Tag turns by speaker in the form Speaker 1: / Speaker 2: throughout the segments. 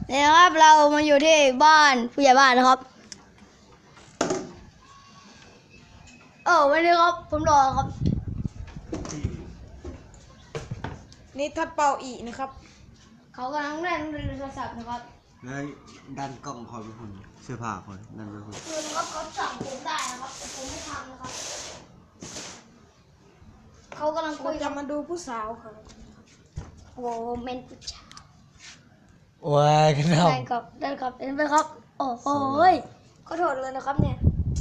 Speaker 1: นี่นะครับเรามาอยู่ที่บ้านผู้ใหญ่บ้านนะครับวันนี้ครับผมรอครับ
Speaker 2: นี่ทัดเป่าอีนะครับ
Speaker 1: เขากำลังเล่นโทรศัพท์นะครับ
Speaker 3: แล้วดันกล้องคอยไปหุ่นเสื้อผ้าคอยดันไปหุ่น
Speaker 1: คือนะครับเขาสั่งผมได้นะครับแต่ผมไม่ทำนะครับเขากำลังคุ
Speaker 2: เรา
Speaker 1: ย
Speaker 2: จะมาดูผู้สาวค่ะ
Speaker 1: โอ้เมนผู้ชาย
Speaker 3: โอ้ยกันเอา
Speaker 1: ได้ครับได้ครับเห็นไหมครับโอ้โหขอโทษเลยนะครับเนี่ย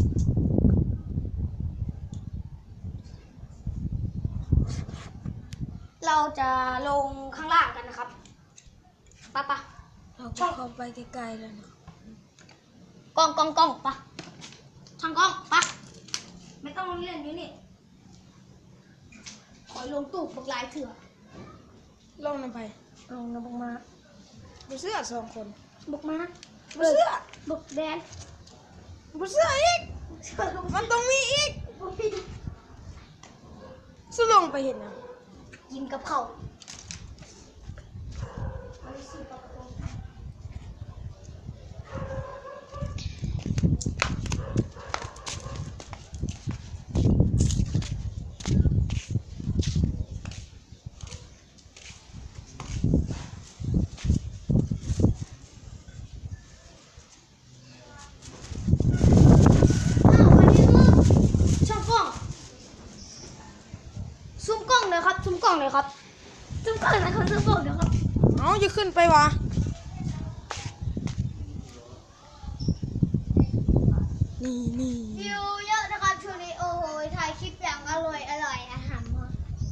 Speaker 1: เราจะลงข้างล่างกันนะครับปะ
Speaker 2: เราก็เข้าไปไกลๆแล้วนะ
Speaker 1: กล้องปะช่างกล้องปะไม่ต้องเล่นอยู่นี่ขอลงตู้บักลายเถื่อ
Speaker 2: ลงน้ำไป
Speaker 1: ลงนะบักมา
Speaker 2: บุเสื้อ2 คน
Speaker 1: บักมา
Speaker 2: บุเสื้อ
Speaker 1: บักแดน
Speaker 2: บุเสื้ออีกมันต้องมีอีกสุลงไปเห็นนะ
Speaker 1: กินกับข้าวช่างกล้องซูมกล้องเลยครับซูมกล้องเลยครับซูมกล้องเลยครับซูมกล้องเดี๋ยวครับ
Speaker 2: เอาจะขึ้นไปวะนี่
Speaker 1: วิวเยอะนะครับช่วงนี้โอ้โหถ่ายคลิปอย่างอร่อยอาหารมา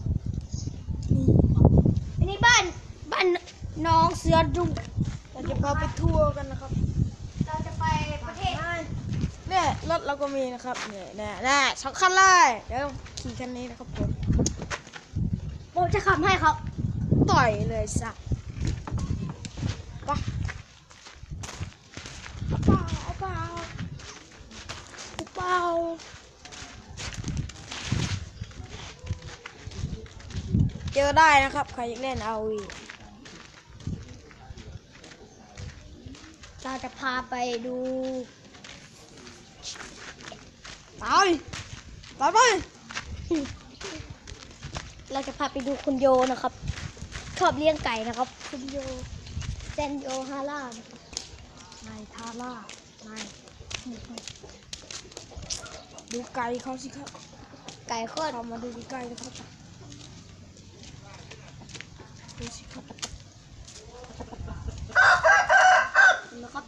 Speaker 1: อันนี้บ้านน้องเสือดุง
Speaker 2: เราจะพาไปทัวร์กันนะครับ
Speaker 1: เราจะไปประเทศ
Speaker 2: เนี่ยรถเราก็มีนะครับเนี่ย2 คันเลยเดี๋ยวขี่คันนี้นะครับผม
Speaker 1: ผมจะขับให้ครับ
Speaker 2: ต่อยเลยสักปะเอาเปล่าเจอได้นะครับใครอยากเล่นเอาวี
Speaker 1: เราจะพาไปดู
Speaker 2: ตายไป
Speaker 1: เราจะพาไปดูคุณโยนะครับชอบเลี้ยงไก่นะครับ คุณโยเซนโยฮาร่านะครับ
Speaker 2: นายทาร่านายดูไก่เขาสิครับ
Speaker 1: ไก่โคตร
Speaker 2: เรามาดูใกล้ๆนะครับดูสิครับ
Speaker 1: นะครับ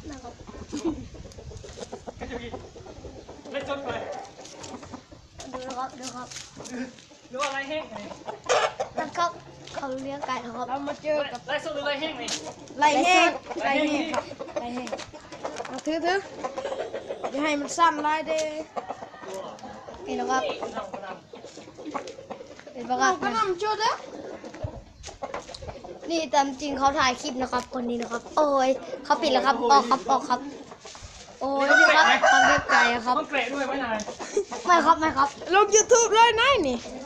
Speaker 4: เล่นจนไป
Speaker 1: ดูนะครับ
Speaker 4: หรือว่าไรแห้งไง
Speaker 1: นะครับเขาเลี้ยงไก่นะครับ
Speaker 2: เรามาเจอกับ
Speaker 4: ไรสดหรือไรแห้งไง
Speaker 2: ไรแห้งครับไรแห้งเอาถืออย่าให้มันสั้นไรเด้
Speaker 1: นี่นะครับ
Speaker 4: น้ำกระด
Speaker 1: เป็นประกาศ
Speaker 2: ก็นำจุดแล้ว
Speaker 1: นี่ตามจริงเขาถ่ายคลิปนะครับ คนนี้นะครับ โอ้ยเขาปิดแล้วครับออกครับ โอ้ยนี่ครับเขาเลี้ยงไก่ครับ
Speaker 4: ต้องเกรดด้วยไหมนาย
Speaker 1: ไม่ครับ
Speaker 2: ลง YouTube เลยนายนี่
Speaker 1: ไ